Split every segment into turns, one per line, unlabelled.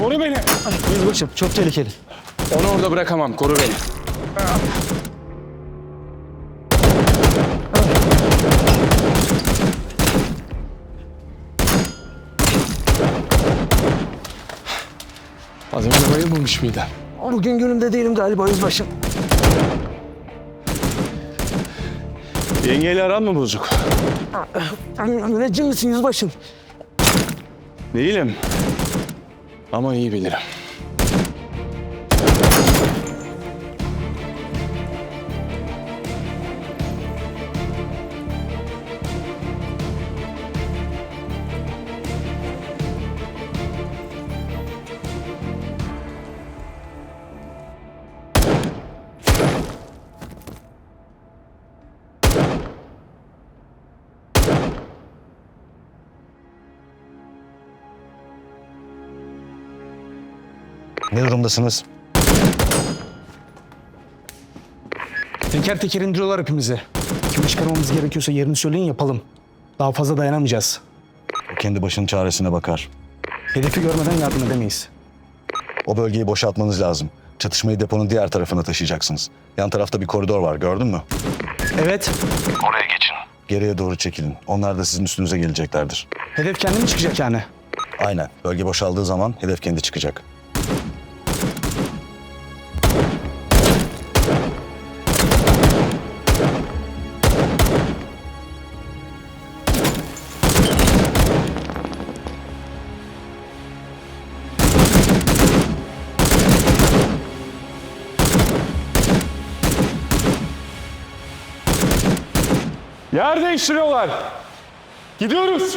Koru beni.
Yüzbaşım çok tehlikeli.
Onu orada bırakamam. Koru beni. Az önce bayılmamış mıydın?
Bugün günümde değilim galiba yüzbaşım.
Yengeyle aran mı bozuk?
Müneccim misin yüzbaşım?
Değilim. Ama iyi bilirim.
Ne durumdasınız?
Teker teker indiriyorlar hepimizi. Kimi çıkarmamız gerekiyorsa yerini söyleyin yapalım. Daha fazla dayanamayacağız.
O kendi başının çaresine bakar.
Hedefi görmeden yardım edemeyiz.
O bölgeyi boşaltmanız lazım. Çatışmayı deponun diğer tarafına taşıyacaksınız. Yan tarafta bir koridor var, gördün mü?
Evet.
Oraya geçin. Geriye doğru çekilin. Onlar da sizin üstünüze geleceklerdir.
Hedef kendi mi çıkacak yani?
Aynen. Bölge boşaldığı zaman hedef kendi çıkacak.
Yer değiştiriyorlar. Gidiyoruz.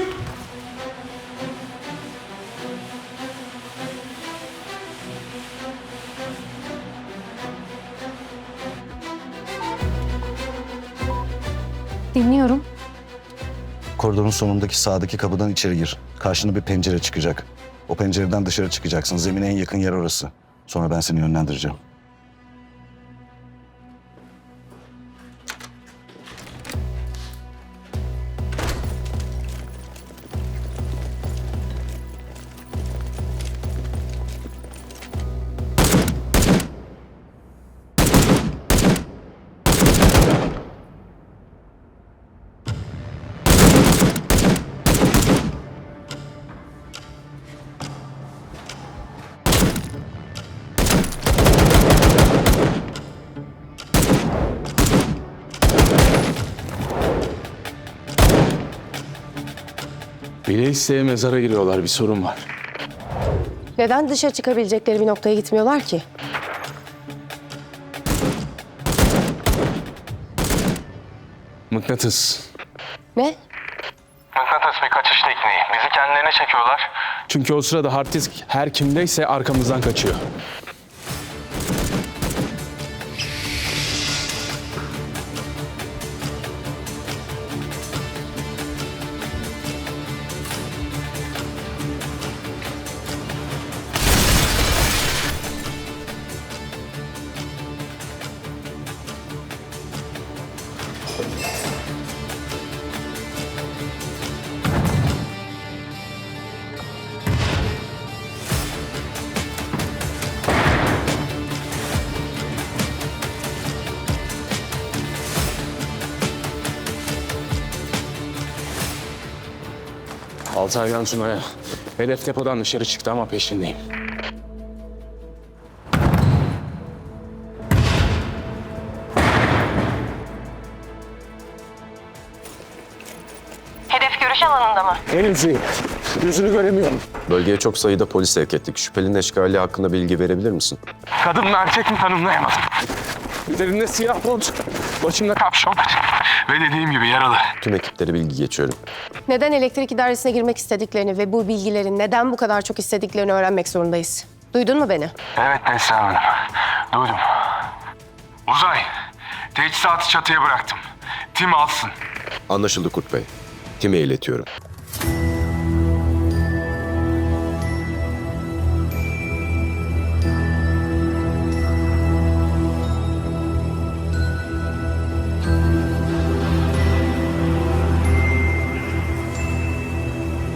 Dinliyorum.
Koridorun sonundaki sağdaki kapıdan içeri gir. Karşına bir pencere çıkacak. O pencereden dışarı çıkacaksın. Zemine en yakın yer orası. Sonra ben seni yönlendireceğim.
Bile isteye mezara giriyorlar. Bir sorun var.
Neden dışa çıkabilecekleri bir noktaya gitmiyorlar ki?
Mıknatıs.
Ne?
Mıknatıs bir kaçış tekniği. Bizi kendilerine çekiyorlar.
Çünkü o sırada hard disk her kimdeyse arkamızdan kaçıyor. Altay'dan Sunay'a. Hedef depodan dışarı çıktı ama peşindeyim.
Hedef görüş alanında mı?
Henüz değil. Yüzünü göremiyorum.
Bölgeye çok sayıda polis sevk ettik. Şüphelinin eşkali hakkında bilgi verebilir misin?
Kadın mı erkek mi tanımlayamadım.
Üzerinde siyah mont, başımda
Kapşon. Ve dediğim gibi yaralı.
Tüm ekiplere bilgi geçiyorum.
Neden elektrik idaresine girmek istediklerini ve bu bilgilerin neden bu kadar çok istediklerini öğrenmek zorundayız. Duydun mu beni?
Evet Neslihan Hanım. Duydum. Uzay. Teçhizatı çatıya bıraktım. Tim alsın.
Anlaşıldı Kurt Bey. Tim'e iletiyorum.